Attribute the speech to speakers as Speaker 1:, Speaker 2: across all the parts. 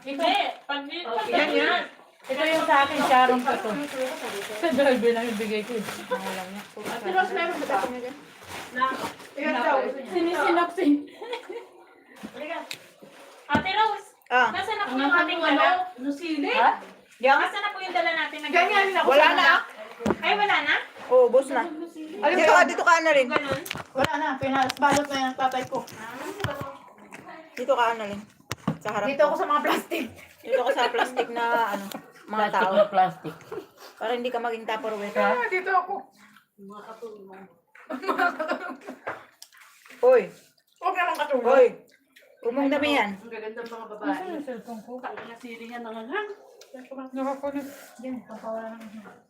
Speaker 1: Hindi. Pag
Speaker 2: Yan yan.
Speaker 3: Ito yung sa akin, Sharon ko to. Sa driver lang yung bigay ko. Alam niya.
Speaker 2: Ate Rose, meron ba tayo niya dyan? Ilan daw?
Speaker 3: Sinisinopsin.
Speaker 1: Ate Rose,
Speaker 2: Ah.
Speaker 1: nasaan na po yung ating dala?
Speaker 3: Nusili?
Speaker 2: Yan.
Speaker 1: Nasaan na po yung dala natin?
Speaker 2: Ganyan din ako. Wala na.
Speaker 1: Ay, wala na?
Speaker 2: Oo, boss na. Dito ka na rin.
Speaker 1: Ganun?
Speaker 2: Wala na. Balot na yung tatay ko. Dito ka na rin. Sa harap. Dito ako sa mga plastic. Dito ka sa plastic na ano, mga
Speaker 3: Plastic
Speaker 2: tao.
Speaker 3: na plastic.
Speaker 2: Para hindi ka maging tupperware. Dito ako. Hoy. Huwag naman katulog. Hoy. Umong dami yan.
Speaker 4: Ang gaganda ng mga
Speaker 3: Ano
Speaker 4: babae.
Speaker 3: yung cellphone ko?
Speaker 4: Ang nasiri nga ng hanghang.
Speaker 3: Nakakulit. Yan, papawala na.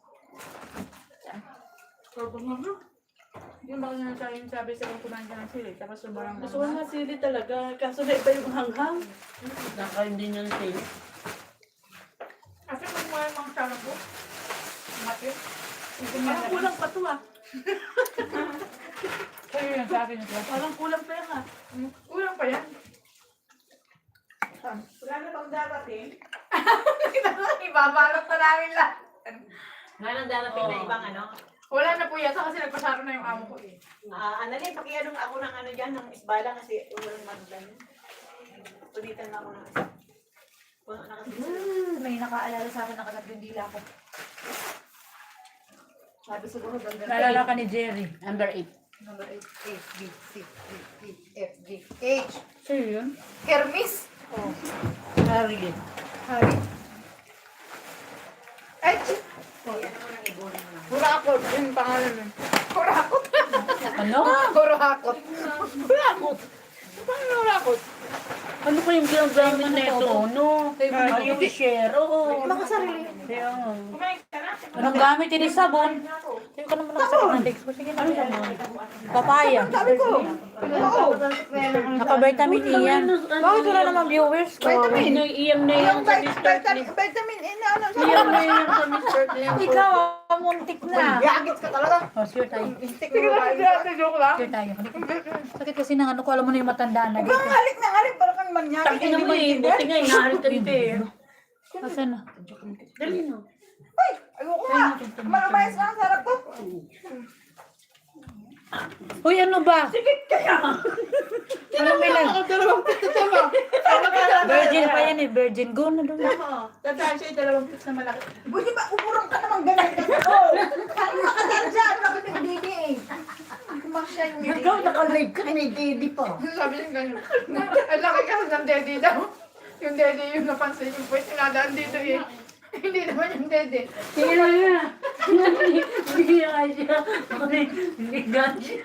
Speaker 4: Sobrang hanghang.
Speaker 3: Yung baka na tayo yung sabi sa kong kumain ka ng sili, tapos sobrang
Speaker 4: Gusto ko nasiri talaga. Kaso na iba yung hanghang. Nakaindi niyan tayo.
Speaker 2: Kasi kung mo yung mga sarap ko. Mati.
Speaker 4: Parang kulang pa to ah.
Speaker 3: Sa'yo yan sa akin ito.
Speaker 4: Parang kulang pera.
Speaker 2: Kulang pa yan. Wala na bang darating? Ibabalot na namin lahat.
Speaker 1: Wala nang darating na ibang ano?
Speaker 2: Wala na po yata kasi nagpasaro na yung amo ko eh.
Speaker 1: Analin, pakianong ako ng ano dyan, ng isbala kasi walang magdan. Pulitan na ako ng isa.
Speaker 2: May nakaalala sa akin nakatatlong dila ko. Sabi siguro ganda.
Speaker 3: Naalala ka ni Jerry.
Speaker 4: Number 8.
Speaker 2: Number 8. A, B, C, D, E, F, G, H.
Speaker 3: Sa'yo yun?
Speaker 2: Hermes. Oh.
Speaker 4: Harry.
Speaker 2: Hari. H. Hurakot. Yun yung pangalan nun. Hurakot.
Speaker 3: Ano?
Speaker 2: Hurakot. Hurakot. Paano hurakot?
Speaker 4: Ano ko yung ginagamit na ito? No?
Speaker 3: Ay,
Speaker 4: Yung share. Oo.
Speaker 2: Makasarili.
Speaker 1: Kumain ka na?
Speaker 3: Anong gamit ini sabon? Sa'yo ka naman nakasakit ng legs ko. Sige na. Papaya.
Speaker 2: Sabi ko. Oo.
Speaker 3: Naka-vitamin E yan. Bakit wala naman viewers ko?
Speaker 2: Vitamin.
Speaker 4: Iyam na yung sa Mr.
Speaker 2: Vitamin E na ano.
Speaker 4: Iyam na yung sa Mr.
Speaker 3: Ikaw, muntik na.
Speaker 2: Yagit ka talaga.
Speaker 3: Oh, sure tayo.
Speaker 2: Sige lang. Joke lang.
Speaker 3: Sure tayo. Halika. Sakit kasi ng ano ko, alam mo na yung matandaan na
Speaker 2: Bang
Speaker 3: dito.
Speaker 2: halik na halik. Para kang manyari.
Speaker 4: Tangin na mo eh. Buti nga inahalit ka nito eh.
Speaker 3: Asan na?
Speaker 4: Dali no.
Speaker 2: Ay, ayoko nga. Maramayas na ang sarap ko.
Speaker 3: Uy, ano ba?
Speaker 2: Anong bilang? Dalawang pito tama.
Speaker 3: Virgin pa yan eh. Virgin. Go na doon.
Speaker 2: Tandaan siya yung dalawang pito na malaki. Buti ba umurong ka naman ganun ka sa ko? Ano nakadaan dyan? Bakit yung didi eh? Kumasya yung didi.
Speaker 4: Ikaw nakalive ka ni Didi pa.
Speaker 2: Sabi niya ganun. Ang laki kasi ng dede daw. Yung dede yung napansin yung puwet. Sinadaan dito eh. Hindi naman yung dede.
Speaker 4: Sige na nga. Hindi nga siya. Hindi nga siya.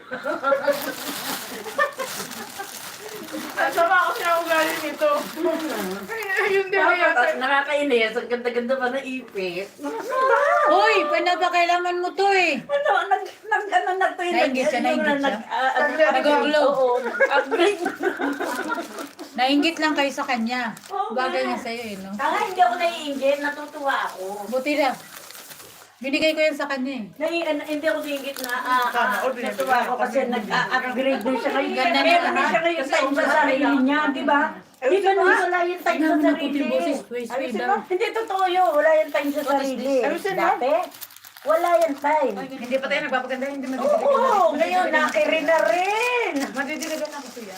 Speaker 2: Nasama ako siya ugali nito. Yung dede yata.
Speaker 4: Nakakainis. Ang ganda-ganda pa na ipis.
Speaker 3: Uy, pinapakailangan mo to eh.
Speaker 4: Ano na to yung
Speaker 3: Nainggit siya, nainggit siya. Nag-glow.
Speaker 4: Oo. Upgrade.
Speaker 3: Nainggit lang kayo sa kanya. Bagay niya sa'yo eh, no?
Speaker 4: Hindi ako naiinggit. Natutuwa ako.
Speaker 3: Buti lang. Binigay ko yan sa kanya eh.
Speaker 4: Hindi ako naiinggit na natutuwa ako kasi nag-upgrade din siya ngayon.
Speaker 3: Ganda na
Speaker 4: Meron
Speaker 3: lahat.
Speaker 4: siya ngayon sa sarili niya, di ba? Hindi ka naman wala yung time sa sarili. Hindi totoo yun. Wala yung time sa sarili. Dati, wala yung time.
Speaker 2: Hindi pa tayo nagpapaganda. Hindi
Speaker 4: Oo, ngayon nakiri na rin.
Speaker 2: Madidiligan ako siya.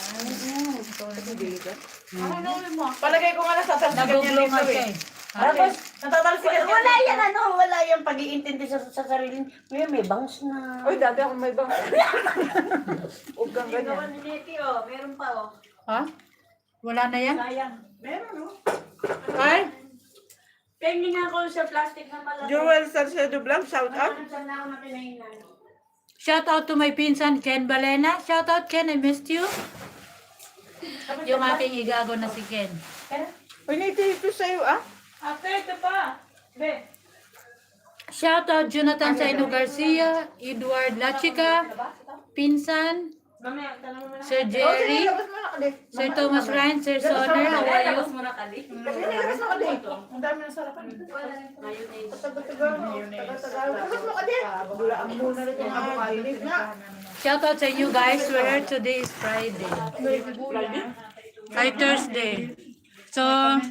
Speaker 2: Palagay ko nga nasasalsikan niya
Speaker 3: Nag-glow nga
Speaker 2: dito
Speaker 3: siya
Speaker 2: eh.
Speaker 3: eh.
Speaker 4: Tapos,
Speaker 2: Natatalsikan niya.
Speaker 4: wala yan wala yung pag-iintindi sa sarili. Ngayon may bangs na.
Speaker 2: Uy, dati ako may bang. Huwag kang ganyan.
Speaker 1: ni Neti, oh. Meron pa, oh.
Speaker 3: Ha? Wala na yan?
Speaker 1: Sayang. Meron, oh.
Speaker 3: Ay?
Speaker 1: Pengi nga ako sa plastic na malaki.
Speaker 2: Joel Salcedo Blanc, shout out.
Speaker 1: Saan na ako na pinahingan?
Speaker 3: Shout out to my pinsan, Ken Balena. Shout out, Ken. I missed you. Yung aking igago na si Ken.
Speaker 2: Uy, ito sa'yo ah.
Speaker 1: Ate, ito pa. Be.
Speaker 3: Shout out Jonathan Saino Garcia, Edward Lachica, Pinsan,
Speaker 1: Mamaya, tanong mo na.
Speaker 3: Sir Jerry,
Speaker 2: Labas mo na kali.
Speaker 3: Sir Thomas Ryan, Sir Sonner, how are you?
Speaker 1: mo na kali.
Speaker 2: Kasi nilabas mo kali. Ang dami ng sarapan.
Speaker 1: Mayonnaise.
Speaker 2: Tagal-tagal. Tagal-tagal. Labas mo kali. Bula ang muna rin yung avocado na.
Speaker 3: Shout out sa inyo guys, where today is Friday. Ay, Thursday. So,